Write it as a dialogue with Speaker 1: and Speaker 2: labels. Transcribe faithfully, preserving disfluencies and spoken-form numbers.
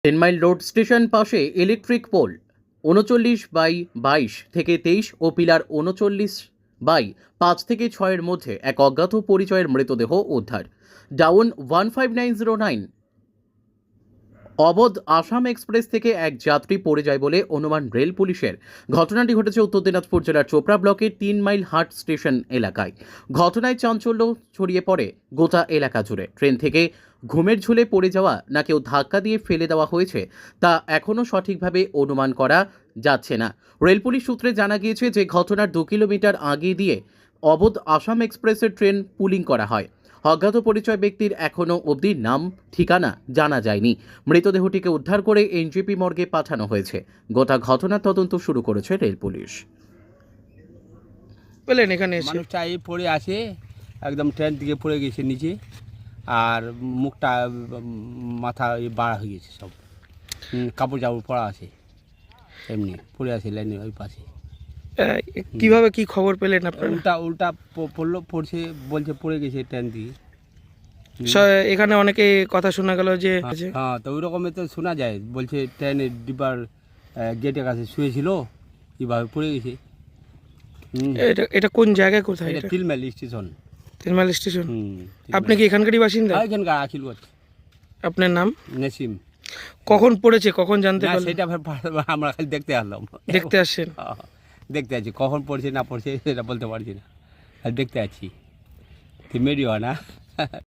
Speaker 1: Ten mile road station পাশে electric pole উনচল্লিশ by বাইশ থেকে তেইশ ও পিলার উনচল্লিশ বাই পাঁচ থেকে ছয়ের মধ্যে এক অজ্ঞাত পরিচয়ের মৃতদেহ উদ্ধার। Down one five nine zero nine Awadh Assam express থেকে এক যাত্রী পড়ে যায় বলে অনুমান রেল পুলিশের। ঘটনাটি ঘটেছে উত্তর দিনাজপুর জেলার চোপড়া ব্লকের তিন মাইল হাট স্টেশন এলাকায়। ঘটনায় চাঞ্চল্য ছড়িয়ে পড়ে গোটা এলাকা জুড়ে। ট্রেন থেকে ঘুমের ঝুলে পড়ে যাওয়া না কেউ ধাক্কা দিয়ে ফেলে দেওয়া হয়েছে তা এখনও সঠিকভাবে অনুমান করা যাচ্ছে না। রেল পুলিশ সূত্রে জানা গিয়েছে যে ঘটনার দু কিলোমিটার আগে দিয়ে অবধ আসাম এক্সপ্রেসের ট্রেন পুলিং করা হয়। অজ্ঞাত পরিচয় ব্যক্তির এখনও অবধি নাম ঠিকানা জানা যায়নি। মৃতদেহটিকে উদ্ধার করে এনজেপি মর্গে পাঠানো হয়েছে। গোটা ঘটনার তদন্ত শুরু করেছে রেল পুলিশ।
Speaker 2: পেলেন এখানে এসে
Speaker 3: মানুষটা এই পড়ে আছে, একদম ট্রেন থেকে পড়ে গেছে নিচে, আর মুখটা মাথা বাড়া হয়ে গেছে, সব হুম, কাপড় চাপড় পরা আছে, এমনি পড়ে আছে লাইনে ওই পাশে।
Speaker 2: আহ, কিভাবে কি খবর পেলেন আপনারা?
Speaker 3: উল্টা উল্টা প- পড়লো, পড়ছে, বলছে পড়ে গেছে ট্রেন দিয়ে।
Speaker 2: স- এখানে অনেকে কথা শোনা গেল যে
Speaker 3: হ্যাঁ, হ্যাঁ, তো ওই রকমের তো শোনা যায়, বলছে ট্রেনের ডিব্বার গেটের কাছে শুয়েছিল, এইভাবে পড়ে গেছে। হুম,
Speaker 2: এটা এটা কোন জায়গায়, কোথায়
Speaker 3: এটা
Speaker 2: এটা?
Speaker 3: তিলমাইল স্টেশন।
Speaker 2: তিনমাইল স্টেশন।
Speaker 3: হুম,
Speaker 2: আপনি কি এখানকারই বাসিন্দা?
Speaker 3: এখানকার আখিলগঞ্জ।
Speaker 2: আপনার নাম?
Speaker 3: নেসিম।
Speaker 2: কখন পড়েছে, কখন জানতে
Speaker 3: না,
Speaker 2: পারলেন?
Speaker 3: সেটা ভাব- আমরা খালি দেখতে আসলাম।
Speaker 2: দেখতে আসছেন?
Speaker 3: হ্যাঁ, দেখতে আছি, কখন পড়ছে না পড়ছে সেটা বলতে পারছি না, আর দেখতে আছি। মেরি হয় না।